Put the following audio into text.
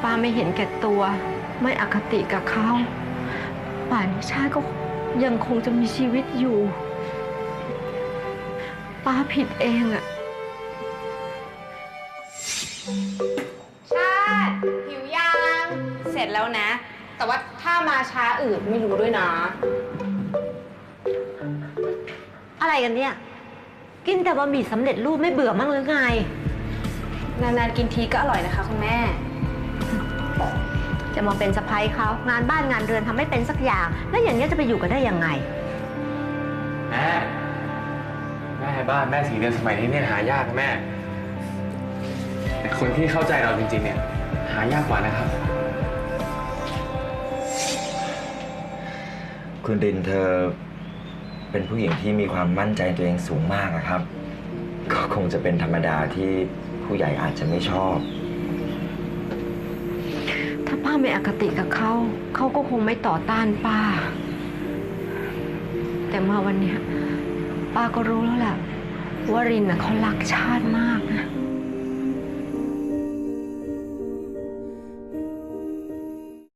ป้าไม่เห็นแก่ตัวไม่อคติกับเขาป่านนี้ชาติก็ยังคงจะมีชีวิตอยู่ป้าผิดเองอะชาติหิวยังเสร็จแล้วนะแต่ว่าถ้ามาช้าอื่นไม่รู้ด้วยนะอะไรกันเนี่ยกินแต่บะหมี่สำเร็จรูปไม่เบื่อมั้งหรือไงนานๆกินทีก็อร่อยนะคะคุณแม่จะมาเป็นสะใภ้เขางานบ้านงานเรือนทำไม่เป็นสักอย่างแล้วอย่างนี้จะไปอยู่กันได้ยังไงแม่บ้านแม่สีเรือนสมัยนี้เนี่ยหายากนะแม่แต่คนที่เข้าใจเราจริงๆเนี่ยหายากกว่านะครับคุณรินเธอเป็นผู้หญิงที่มีความมั่นใจตัวเองสูงมากนะครับก็คงจะเป็นธรรมดาที่ผู้ใหญ่อาจจะไม่ชอบถ้าป้าไม่อคติกับเขาเขาก็คงไม่ต่อต้านป้าแต่มาวันนี้ป้าก็รู้แล้วแหละว่ารินน่ะเขารักชาติมากนะ